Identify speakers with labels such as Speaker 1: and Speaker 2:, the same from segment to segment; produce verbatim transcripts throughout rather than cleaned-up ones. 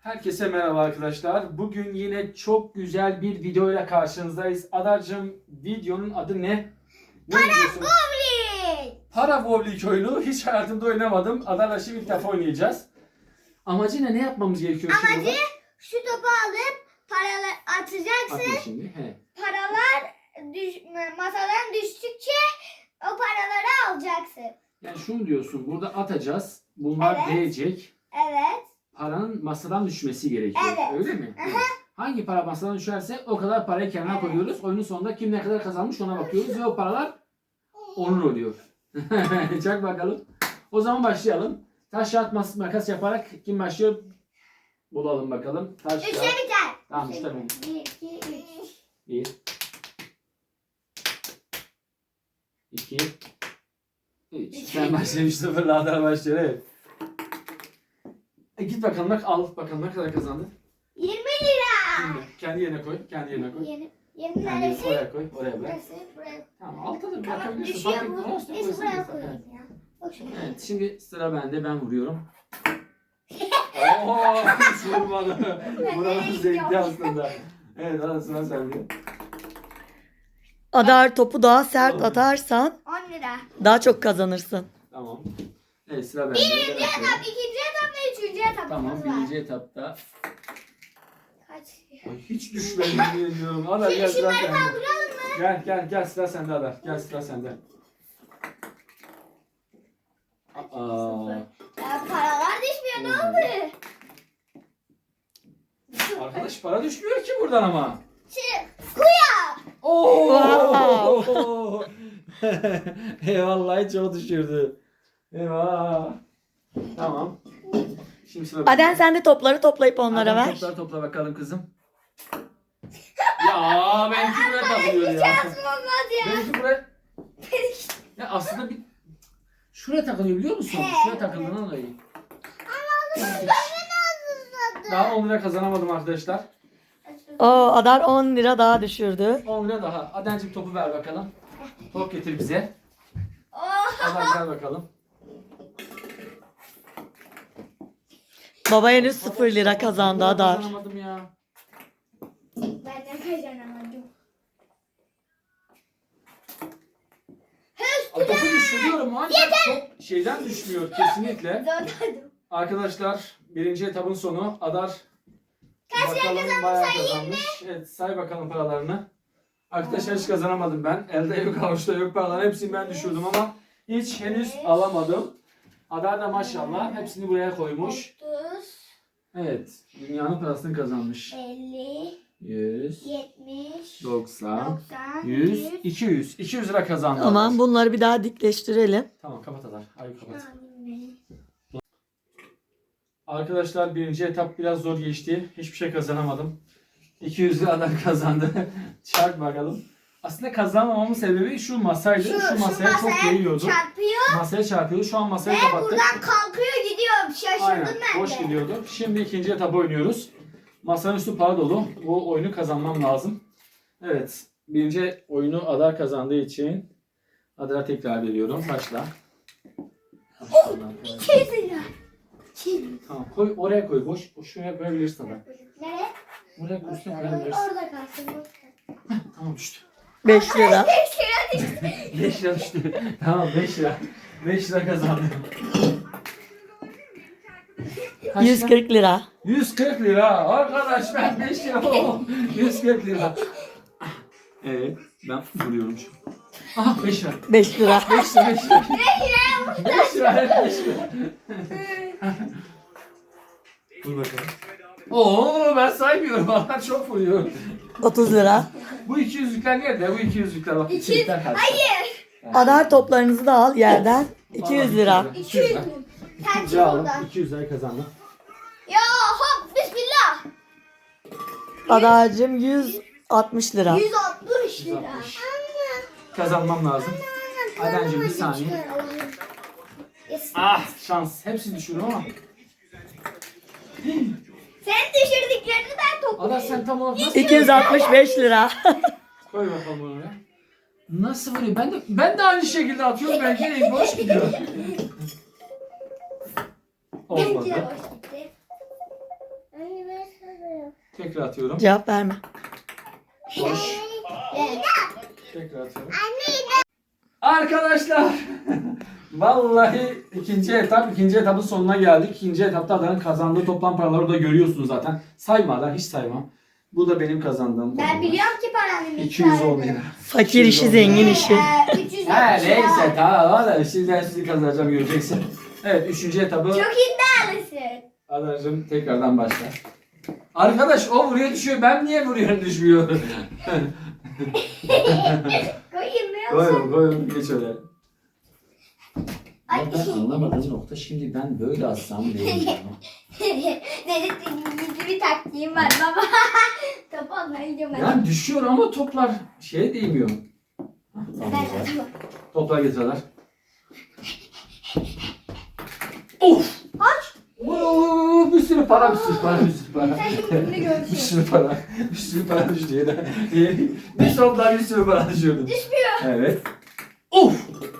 Speaker 1: Herkese merhaba arkadaşlar. Bugün yine çok güzel bir videoyla karşınızdayız. Adar'cığım, videonun adı ne? Ne
Speaker 2: Para
Speaker 1: diyorsun?
Speaker 2: bowling.
Speaker 1: Para bowling oyunu. Hiç hayatımda oynamadım. Adar'la şimdi ilk defa oynayacağız. Amacı ne? Ne yapmamız gerekiyor şimdi?
Speaker 2: Amacı şu topu alıp paralar atacaksın.
Speaker 1: Atma şimdi. He.
Speaker 2: Paralar düş, masadan düştükçe o paraları alacaksın.
Speaker 1: Yani şunu diyorsun. Burada atacağız. Bunlar
Speaker 2: Evet.
Speaker 1: değecek.
Speaker 2: Evet.
Speaker 1: Paranın masadan düşmesi gerekiyor.
Speaker 2: Evet.
Speaker 1: Öyle mi? Evet. Hangi para masadan düşerse o kadar parayı kenara
Speaker 2: Evet.
Speaker 1: koyuyoruz. Oyunun sonunda kim ne kadar kazanmış ona bakıyoruz ve o paralar onun oluyor. Çak bakalım. O zaman başlayalım. Taş kağıt mas- makas yaparak kim başlıyor? Bulalım bakalım. Taş
Speaker 2: Üçte
Speaker 1: kağıt.
Speaker 2: biter.
Speaker 1: Tamam işte bu.
Speaker 2: Bir, iki, üç.
Speaker 1: Bir. İki. Üç. Sen başlamış sıfırla Adar başlıyor. Evet. E git bakalım bak al bakalım ne kadar kazandın.
Speaker 2: Yirmi lira.
Speaker 1: Şimdi kendi yerine koy. Kendi yerine koy.
Speaker 2: Yirmi. Yirmi
Speaker 1: Kendi yerine
Speaker 2: neresi?
Speaker 1: oraya koy. Oraya bırak.
Speaker 2: Burası, buraya.
Speaker 1: Tamam altta da
Speaker 2: Tamam
Speaker 1: bırakabilirsin.
Speaker 2: düşüyor
Speaker 1: Fark
Speaker 2: bu.
Speaker 1: etmez. Olsun,
Speaker 2: Neyse
Speaker 1: koysun
Speaker 2: buraya
Speaker 1: zaten.
Speaker 2: koyayım ya. Bak şuraya.
Speaker 1: Evet şimdi sıra bende, ben vuruyorum. Ooo hiç vurmadı. Buranın zevkli aslında. Evet hadi sıra sende.
Speaker 3: Adar topu daha sert atarsan
Speaker 2: On lira.
Speaker 3: daha çok kazanırsın.
Speaker 1: Tamam. Evet sıra bende.
Speaker 2: Birinci
Speaker 1: Ben atıyorum.
Speaker 2: etap, ikinci etap ve üçüncü etapımız
Speaker 1: Tamam
Speaker 2: var.
Speaker 1: birinci etapta.
Speaker 2: Kaç?
Speaker 1: Ay, hiç düşmedim diyorum. Adar gel sıra
Speaker 2: Şunları
Speaker 1: sende.
Speaker 2: kaldıralım mı?
Speaker 1: Gel gel gel sıra sende Adar. Gel sıra sende. Aa,
Speaker 2: Ya paralar düşmüyor, ne oldu?
Speaker 1: arkadaş para düşmüyor ki buradan ama.
Speaker 2: Şimdi kuya.
Speaker 1: Oo! Eyvallah hiç o düşürdü. Eyvah. Tamam. Şimdi sıra
Speaker 3: Aden
Speaker 1: bende.
Speaker 3: sen de topları toplayıp onlara
Speaker 1: Adem,
Speaker 3: ver.
Speaker 1: Toplar topla bakalım kızım. Ya benimki buraya takılıyor ya.
Speaker 2: Şansım olmaz ya.
Speaker 1: Benimki buraya. Ya aslında bir şuraya takılıyor biliyor musun?
Speaker 2: He,
Speaker 1: Şuraya takıldığından dolayı.
Speaker 2: Ben
Speaker 1: Daha on lira kazanamadım arkadaşlar.
Speaker 3: O Adar on lira daha düşürdü.
Speaker 1: on lira daha. Adencim topu ver bakalım. Top getir bize.
Speaker 2: Oh.
Speaker 1: Adem gel bakalım.
Speaker 3: Baba henüz sıfır lira kazandı Adar.
Speaker 1: Kazanamadım ya.
Speaker 2: Ben de kazanamadım.
Speaker 1: Aa, topu düşürüyorum ancak top şeyden düşmüyor kesinlikle.
Speaker 2: Zorladım.
Speaker 1: Arkadaşlar birinci etapın sonu. Adar bakalım bayağı kazanmış. Evet say bakalım paralarını. Arkadaşlar hiç kazanamadım ben. Elde yok avuçta yok paralar. Hepsini ben düşürdüm ama hiç henüz alamadım. Adar da maşallah hepsini buraya koymuş.
Speaker 2: otuz,
Speaker 1: Evet dünyanın parasını kazanmış.
Speaker 2: elli,
Speaker 1: yüz,
Speaker 2: yetmiş,
Speaker 1: doksan,
Speaker 2: doksan,
Speaker 1: yüz, iki yüz. iki yüz lira kazandı.
Speaker 3: Tamam bunları bir daha dikleştirelim.
Speaker 1: Tamam kapat Adar. Hayır kapat. Arkadaşlar birinci etap biraz zor geçti. Hiçbir şey kazanamadım. iki yüz liradan kazandı. Çarp bakalım. Aslında kazanmamamın sebebi şu masaydı. Şu,
Speaker 2: Şu,
Speaker 1: masaya
Speaker 2: şu
Speaker 1: çok
Speaker 2: masaya
Speaker 1: değiyordu.
Speaker 2: çarpıyor
Speaker 1: Masaya çarpıyordu. Şu an masayı
Speaker 2: ve
Speaker 1: kapattık.
Speaker 2: buradan kalkıyor gidiyor. Şaşırdım
Speaker 1: Aynen.
Speaker 2: ben
Speaker 1: Boş
Speaker 2: de.
Speaker 1: gidiyordu. Şimdi ikinci etapı oynuyoruz. Masanın üstü para dolu. Bu oyunu kazanmam lazım. Evet. Birinci oyunu Adar kazandığı için Adar'a tekrar veriyorum. Başla.
Speaker 2: Oh, iki yüz lira. Çin.
Speaker 1: Tamam. Koy oraya koy. Boş. boş şuraya koyabilirsin Adar.
Speaker 2: Nereye?
Speaker 1: Buraya üstüne koyabilirsin.
Speaker 2: Orada kalsın.
Speaker 1: Tamam düştü.
Speaker 3: beş lira.
Speaker 2: beş lira düştü.
Speaker 1: beş lira düştü. Tamam beş lira. beş lira kazandım. Kaç
Speaker 3: yüz
Speaker 1: lira?
Speaker 3: kırk lira.
Speaker 1: yüz kırk lira. Arkadaş ben beş lira. Oh, yüz kırk lira. Evet ben vuruyorum şu. Aha beş lira.
Speaker 3: beş lira.
Speaker 1: beş lira beş lira. beş lira. Evet beş lira. Vur bakalım. Oo ben saymıyorum. Bana çok vuruyor.
Speaker 3: otuz lira.
Speaker 1: Bu iki yüzlükler nerede? Bu iki yüzlükler bak.
Speaker 2: İki-
Speaker 1: iki yüzlükler kaç?
Speaker 2: Hayır.
Speaker 3: Adar toplarınızı da al yerden. iki yüz lira.
Speaker 2: iki yüz lira. Sen çık
Speaker 1: İkinci aldım.
Speaker 2: buradan.
Speaker 1: iki yüz lirayı kazandım.
Speaker 2: Ya hop bismillah.
Speaker 3: Adar'cığım yüz altmış lira.
Speaker 2: yüz altmış lira.
Speaker 1: yüz altmış. Kazanmam lazım. Adencim bir saniye.
Speaker 2: Yes.
Speaker 1: Ah şans. Hepsini düşürdüm ama.
Speaker 2: Sen düşürdüklerini ben
Speaker 1: Ada
Speaker 2: topluyorum.
Speaker 1: sen tam olarak nasıl
Speaker 3: iki yüz altmış beş lira.
Speaker 1: koy bakalım bunu oraya. Nasıl vuruyor? Ben de ben de aynı şekilde atıyorum. Belki de boş gidiyor.
Speaker 2: Bence
Speaker 1: Olmadı.
Speaker 2: boş gitti.
Speaker 1: Tekrar atıyorum.
Speaker 3: Cevap verme.
Speaker 1: Boş.
Speaker 2: Evet.
Speaker 1: Tekrar atıyorum. Arkadaşlar vallahi ikinci etap, ikinci etapın sonuna geldik. İkinci etapta Adan'ın kazandığı toplam paraları da görüyorsunuz zaten. Sayma Adan, hiç sayma. Bu da benim kazandığım.
Speaker 2: Ben biliyorum ki paranın
Speaker 1: iki yüz on lira.
Speaker 3: Fakir işi, zengin işi.
Speaker 2: Ee, üç yüz
Speaker 1: He
Speaker 2: yetmiş lira.
Speaker 1: neyse tamam valla şimdi ben sizi kazanacağım göreceksin. Evet üçüncü etabı
Speaker 2: Çok iddialısın.
Speaker 1: Adan'cığım tekrardan başlar. Arkadaş o vuruyor düşüyor, ben niye vuruyorum düşmüyor?
Speaker 2: Koyayım mı yoksa?
Speaker 1: Koyun koyun geç öyle.
Speaker 2: Ay.
Speaker 1: Ben anlamadığım nokta şimdi ben böyle atsam değil ya.
Speaker 2: Benim gizli bir taktiğim var baba. Topu almaya gidiyorum ben.
Speaker 1: Yani düşüyor ama toplar şeye değmiyor. Hah, Tamam
Speaker 2: Ben
Speaker 1: güzel.
Speaker 2: tamam.
Speaker 1: Toplar getiriyorlar. Of!
Speaker 2: Aç.
Speaker 1: Oo, bir sürü para, bir sürü para, bir sürü para.
Speaker 2: Sen şimdi bunu
Speaker 1: bir
Speaker 2: görsün.
Speaker 1: sürü para, bir sürü para düştü yine. Bir toplar bir sürü para düşüyordu.
Speaker 2: Düşmüyor.
Speaker 1: Evet. Of!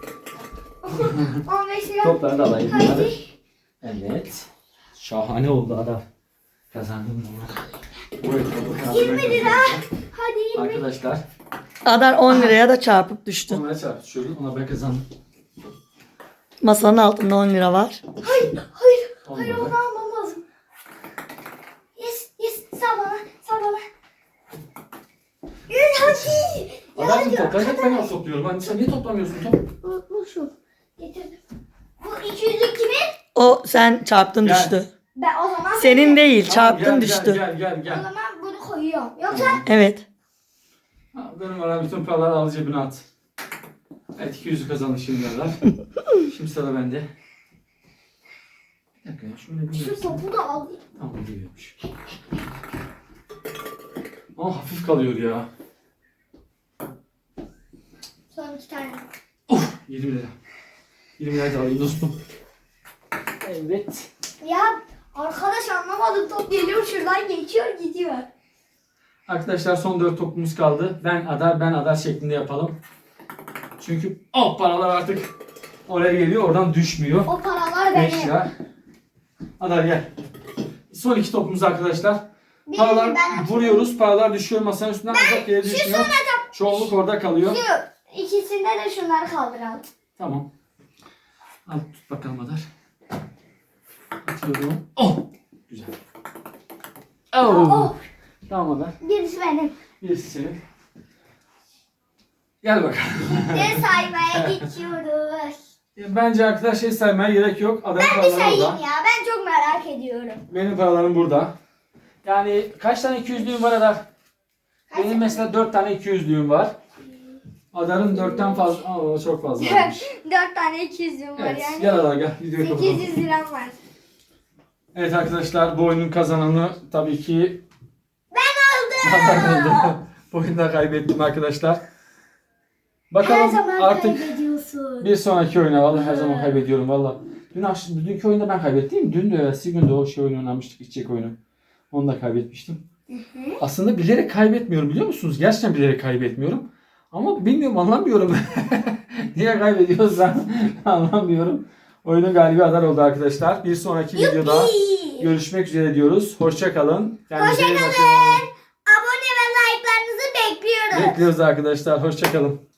Speaker 2: on beş lira.
Speaker 1: Topları da alayım.
Speaker 2: Hadi.
Speaker 1: Hadi. Evet. Şahane oldu adam. Kazandım bunu.
Speaker 2: yirmi lira. Hadi yirmi.
Speaker 1: Arkadaşlar.
Speaker 3: Adar on liraya da çarpıp düştü.
Speaker 1: Onlara çarpışıyoruz. Ona ben kazandım.
Speaker 3: Masanın altında on lira var.
Speaker 2: Hayır, hayır. Hayır
Speaker 1: Olmadı.
Speaker 2: onu almam lazım. Yes, yes. Sağ bana, sağ bana. Yürü hadi.
Speaker 1: Adamcım toplar hep ben topluyorum. Hani sen niye toplamıyorsun top?
Speaker 2: Bu, bu şu. Getirdim. Bu iki yüzlük kimin?
Speaker 3: O sen çarptın
Speaker 1: Gel.
Speaker 3: düştü.
Speaker 2: Ben o zaman
Speaker 3: Senin değil,
Speaker 1: Tamam,
Speaker 3: çarptın
Speaker 1: gel,
Speaker 3: düştü.
Speaker 1: Gel gel gel.
Speaker 2: O
Speaker 1: gel.
Speaker 2: zaman bunu koyuyorum. Yoksa
Speaker 3: Evet.
Speaker 1: Ha, benim ara bütün paraları al cebine at. Evet iki yüzü kazandı şimdi Adar. Şimdi sıra bende. Bir dakika ya şöyle bir
Speaker 2: şu topu da alayım.
Speaker 1: Tamam büyüyormuş. Ama hafif kalıyor ya.
Speaker 2: Son iki tane.
Speaker 1: Of yirmi lira. yirmi lira da alayım dostum. Evet.
Speaker 2: Ya arkadaş anlamadım, top geliyor şuradan geçiyor gidiyor.
Speaker 1: Arkadaşlar son dört topumuz kaldı. Ben Adar ben Adar şeklinde yapalım. Çünkü o paralar artık oraya geliyor oradan düşmüyor.
Speaker 2: O paralar
Speaker 1: beş
Speaker 2: benim.
Speaker 1: lira. Adar gel. Son iki topumuz arkadaşlar.
Speaker 2: Birini
Speaker 1: Paralar
Speaker 2: ben atayım.
Speaker 1: vuruyoruz. Paralar düşüyor masanın üstünden uzak yere düşmüyor. Çoğunluk orada kalıyor.
Speaker 2: Şu ikisinde de şunları kaldıralım.
Speaker 1: Tamam. Al tut bakalım Adar. Atıyorum. Oh! Güzel. Oh!
Speaker 2: Oh,
Speaker 1: Tamam Adar.
Speaker 2: birisi benim.
Speaker 1: Birisi senin. Gel bakalım.
Speaker 2: Ne saymaya geçiyoruz.
Speaker 1: Bence arkadaşlar şey saymaya gerek yok. Adamın
Speaker 2: Ben bir
Speaker 1: paraları
Speaker 2: sayayım
Speaker 1: orada.
Speaker 2: ya. Ben çok merak ediyorum.
Speaker 1: Benim paralarım burada. Yani kaç tane iki yüzlüğüm var Adar?
Speaker 2: Kaç-
Speaker 1: Benim mesela dört tane iki yüzlüğüm var. Adar'ın dörtten fazla. Aa, çok fazlaymış.
Speaker 2: Dört tane iki yüzüm var
Speaker 1: Evet,
Speaker 2: yani.
Speaker 1: gel Adar gel. Videoyu kapatalım.
Speaker 2: sekiz yüz liram var.
Speaker 1: Evet arkadaşlar bu oyunun kazananı tabii ki
Speaker 2: Ben
Speaker 1: Adar
Speaker 2: aldım.
Speaker 1: oldu. Bu oyunda kaybettim arkadaşlar.
Speaker 2: Her
Speaker 1: Bakalım
Speaker 2: zaman
Speaker 1: artık
Speaker 2: kaybediyorsun.
Speaker 1: bir sonraki oyuna vallahi her zaman kaybediyorum valla. Dün akşam, dünkü oyunda ben kaybettim. Dün de evvelsi gün de o şey oyunu oynamıştık, içecek oyunu. Onu da kaybetmiştim. Aslında bilerek kaybetmiyorum biliyor musunuz? Gerçekten bilerek kaybetmiyorum. Ama bilmiyorum anlamıyorum. Niye kaybediyorsam anlamıyorum. Oyunun galibi Adar oldu arkadaşlar. Bir sonraki videoda görüşmek üzere diyoruz. Hoşça kalın. Kendinize iyi bakın.
Speaker 2: Abone ve like'larınızı bekliyoruz.
Speaker 1: Bekliyoruz arkadaşlar. Hoşça kalın.